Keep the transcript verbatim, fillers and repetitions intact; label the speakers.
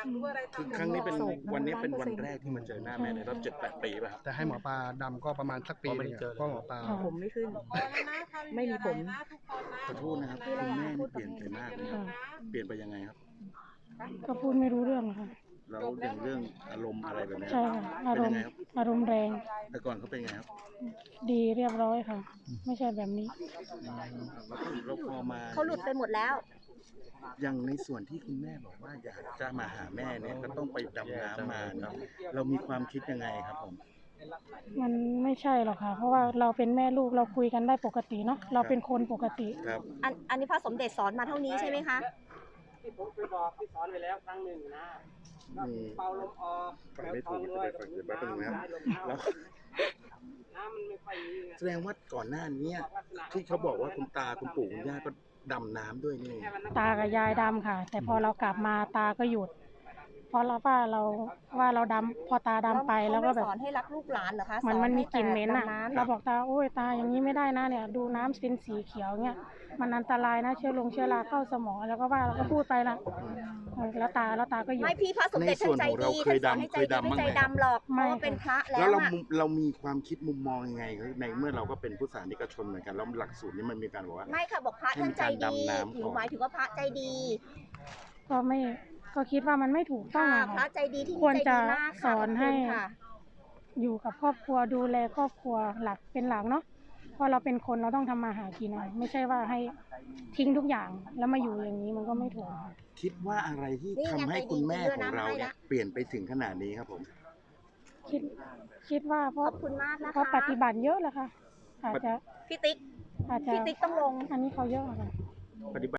Speaker 1: คือครั้งนี้เป็นวันนี้เป็นวันแรกที่มาเจอหน้าแม่ในรอบเจ็ดแปดปีป่ะครับ
Speaker 2: แต่ให้หมอปลาดำก็ประมาณสักปีนึงเพราะหมอปลา
Speaker 3: ผมไม่ขึ้นไม่มีผม
Speaker 1: ขอโทษนะครับคุณแม่นี่เปลี่ยนไปมากเลยครับเปลี่ยนไปยังไงครับ
Speaker 4: ก็พูดไม่รู้เรื่องค่ะ
Speaker 1: แล้วอย่างเรื่องอารมณ์อะไรแบบนี้
Speaker 4: ใช่ค่ะอารมณ์อารมณ์แรง
Speaker 1: แต่ก่อนเขาเป็นไงครับ
Speaker 4: ดีเรียบร้อยค่ะไม่ใช่แบบนี้
Speaker 1: เราพอมา
Speaker 3: เขาหลุดไปหมดแล้ว
Speaker 1: อย่างในส่วนที่คุณแม่บอกว่าอยากจะมาหาแม่เนี่ยก็ต้องไปดำน้ำมาเนาะเรามีความคิดยังไงครับผม
Speaker 4: มันไม่ใช่หรอกค่ะเพราะว่าเราเป็นแม่ลูกเราคุยกันได้ปกติเนาะเราเป็นคนปกติ
Speaker 1: ครับ
Speaker 3: อันอันนี้พระสมเด็จสอนมาเท่านี้ใช่ไหมคะ
Speaker 5: ที่ผมเคยบอกที่สอนไปแล้วครั้งหนึ่งนะเป่าลมออก
Speaker 1: ฝังไม่ถูกจะไปฝังเดี๋ยวแป๊บนึงนะครับแล้ว
Speaker 5: น้ำมันไม่ค่อยมี
Speaker 1: แสดงว่าก่อนหน้านี้ที่เขาบอกว่าคุณตาคุณปู่คุณย่าก็ดำน้ำด้วยนี่
Speaker 4: ตากับยายดำค่ะแต่พอเรากลับมาตาก็หยุดเพราะเราว่าเราว่าเราดำพอตาดำไปแล้วก็แบบ
Speaker 3: สอนให้รักลูกหลานเหรอคะ
Speaker 4: มันมันมีกลิ่นเหม็นอ่ะเราบอกตาโอ้ยตาอย่างนี้ไม่ได้นะเนี่ยดูน้ำเป็นสีเขียวเนี่ยมันอันตรายนะเชื้อลงเชื้อราเข้าสมองแล้วก็ว่าเราก็พูดไปละแล้วตาแล้วตาก็หยุด
Speaker 3: ไม่พี่พระสมเด็จท่านใจดี
Speaker 1: เคยดำเคยดำ
Speaker 3: ไม่ใจดำหรอกเพราะว่าเป็นพระแล้ว
Speaker 1: เราเรามีความคิดมุมมองยังไงในเมื่อเราก็เป็นผู้สานิกชนเหมือนกันแล้วหลักสูตรนี้มันมีการบอกว่า
Speaker 3: ไม่ค่ะบอกพระท่านใจดีหนูหมายถึงว่าพระใจดี
Speaker 4: ก็ไม่ก็คิดว่ามันไม่ถูกต้องอะ
Speaker 3: พระใจดีที่
Speaker 4: ควรจะสอนให้อยู่กับครอบครัวดูแลครอบครัวหลักเป็นหลักเนาะเพราะเราเป็นคนเราต้องทำมาหากินนะไม่ใช่ว่าให้ทิ้งทุกอย่างแล้วมาอยู่อย่างนี้มันก็ไม่ถูก
Speaker 1: คิดว่าอะไรที่ทำให้คุณแม่ของเราเนี่ยเปลี่ยนไปถึงขนาดนี้ครับผม
Speaker 4: คิดคิดว่าเพราะเพราะปฏิบัติเยอะแล้วค่ะอาจจะ
Speaker 3: พี่ติ๊ก
Speaker 4: อาจจะ
Speaker 3: พี่ติ๊กต้องลง
Speaker 4: อันนี้เขาเยอะค่ะ
Speaker 1: ปฏิบัติ